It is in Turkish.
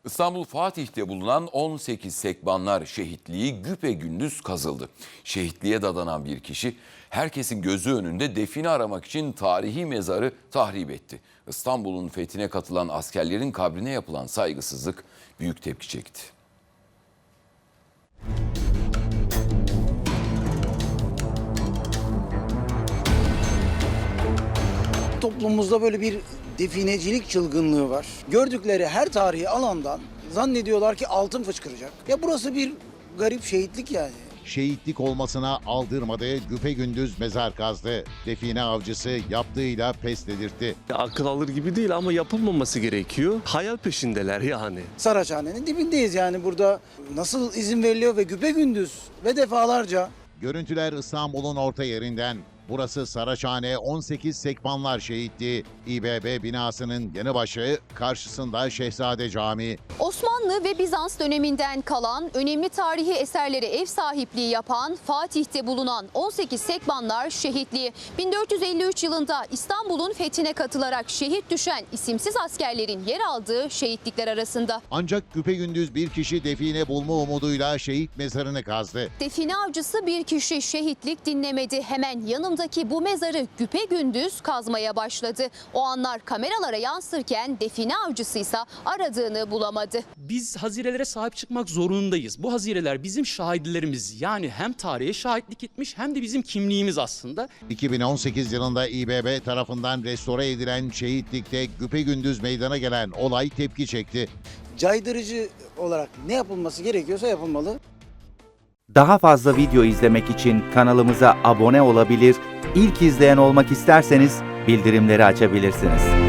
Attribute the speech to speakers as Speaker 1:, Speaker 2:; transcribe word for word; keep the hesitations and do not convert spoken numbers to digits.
Speaker 1: İstanbul Fatih'te bulunan on sekiz Sekbanlar şehitliği güpegündüz kazıldı. Şehitliğe dadanan bir kişi herkesin gözü önünde define aramak için tarihi mezarı tahrip etti. İstanbul'un fethine katılan askerlerin kabrine yapılan saygısızlık büyük tepki çekti.
Speaker 2: Toplumumuzda böyle bir definecilik çılgınlığı var. Gördükleri her tarihi alandan zannediyorlar ki altın fışkıracak. Ya burası bir garip şehitlik yani.
Speaker 3: Şehitlik olmasına aldırmadı, güpegündüz mezar kazdı. Define avcısı yaptığıyla pes dedirtti.
Speaker 4: Akıl alır gibi değil ama yapılmaması gerekiyor. Hayal peşindeler yani.
Speaker 2: Saraçhane'nin dibindeyiz yani burada nasıl izin veriliyor ve güpegündüz ve defalarca.
Speaker 3: Görüntüler İstanbul'un orta yerinden. Burası Saraçhane on sekiz Sekbanlar Şehitliği. İ B B binasının yanı başı, karşısında Şehzade Camii.
Speaker 5: Osmanlı ve Bizans döneminden kalan önemli tarihi eserlere ev sahipliği yapan Fatih'te bulunan on sekiz Sekbanlar Şehitliği. bin dört yüz elli üç yılında İstanbul'un fethine katılarak şehit düşen isimsiz askerlerin yer aldığı şehitlikler arasında.
Speaker 3: Ancak güpegündüz bir kişi define bulma umuduyla şehit mezarını kazdı.
Speaker 5: Define avcısı bir kişi şehitlik dinlemedi. Hemen yanındaki bu mezarı güpegündüz kazmaya başladı. O anlar kameralara yansırken define avcısı ise aradığını bulamadı.
Speaker 6: Biz hazirelere sahip çıkmak zorundayız. Bu hazireler bizim şahitlerimiz, yani hem tarihe şahitlik etmiş hem de bizim kimliğimiz aslında.
Speaker 3: iki bin on sekiz yılında İ B B tarafından restore edilen şehitlikte güpegündüz meydana gelen olay tepki çekti.
Speaker 2: Caydırıcı olarak ne yapılması gerekiyorsa yapılmalı.
Speaker 7: Daha fazla video izlemek için kanalımıza abone olabilir, ilk izleyen olmak isterseniz bildirimleri açabilirsiniz.